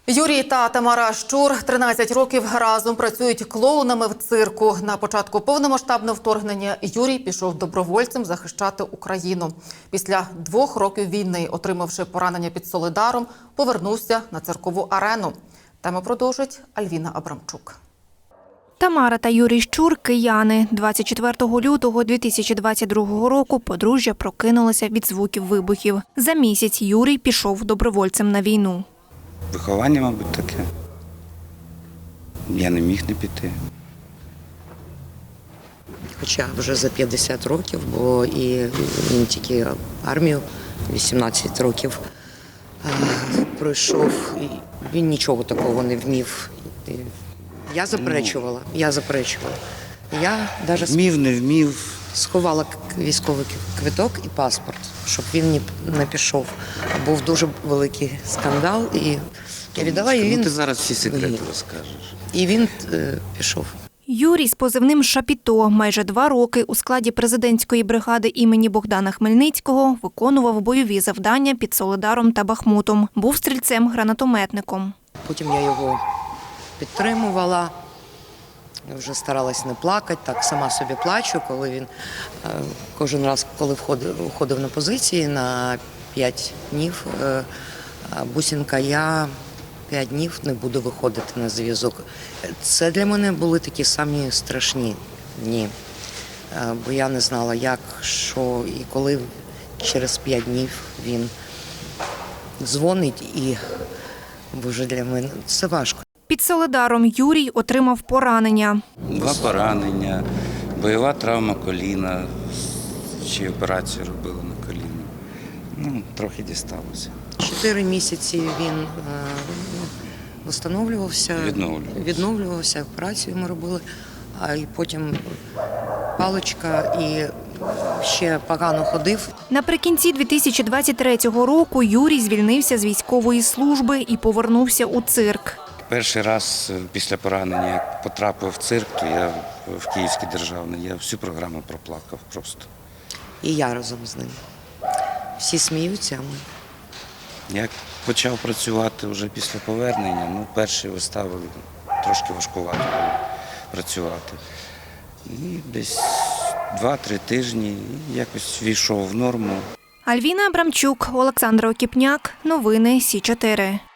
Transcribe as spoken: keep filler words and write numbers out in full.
Юрій та Тамара Щур тринадцять років разом працюють клоунами в цирку. На початку повномасштабного вторгнення Юрій пішов добровольцем захищати Україну. Після двох років війни, отримавши поранення під Солидаром, повернувся на циркову арену. Тему продовжить Альвіна Абрамчук. Тамара та Юрій Щур – кияни. двадцять четвертого лютого дві тисячі двадцять другого року подружжя прокинулося від звуків вибухів. За місяць Юрій пішов добровольцем на війну. Виховання, мабуть, таке. Я не міг не піти. Хоча вже за п'ятдесят років, бо і він тільки армію вісімнадцять років пройшов, і він нічого такого не вмів. Я заперечувала, я заперечувала. Я навіть Вмів, не вмів. сховала військовий квиток і паспорт, щоб він не пішов. Був дуже великий скандал, і я віддала, і він... Ну, ти зараз всі секрети розкажеш. І він е, пішов. Юрій з позивним «Шапіто» майже два роки у складі президентської бригади імені Богдана Хмельницького виконував бойові завдання під Солидаром та Бахмутом. Був стрільцем-гранатометником. Потім я його підтримувала, вже старалась не плакати, так сама собі плачу, коли він кожен раз, коли входив, входив на позиції на п'ять днів, бусинка, я п'ять днів не буду виходити на зв'язок. Це для мене були такі самі страшні дні, бо я не знала, як, що і коли через п'ять днів він дзвонить, і, боже, для мене це важко. Під Солидаром Юрій отримав поранення. Два поранення, бойова травма коліна, ще операцію робили на коліно. Ну, трохи дісталося. Чотири місяці він е, встановлювався, Відновлювався. відновлювався, операцію ми робили, а і потім паличка, і ще погано ходив. Наприкінці дві тисячі двадцять третього року Юрій звільнився з військової служби і повернувся у цирк. Перший раз після поранення, як потрапив в цирк, то я в Київський державний, я всю програму проплакав просто. І я разом з ним. Всі сміються, а ми. Як почав працювати вже після повернення, ну, перші вистави трошки важкувато було працювати. І десь два-три тижні якось війшов в норму. Альвіна Абрамчук, Олександр Окіпняк. Новини Сі чотири.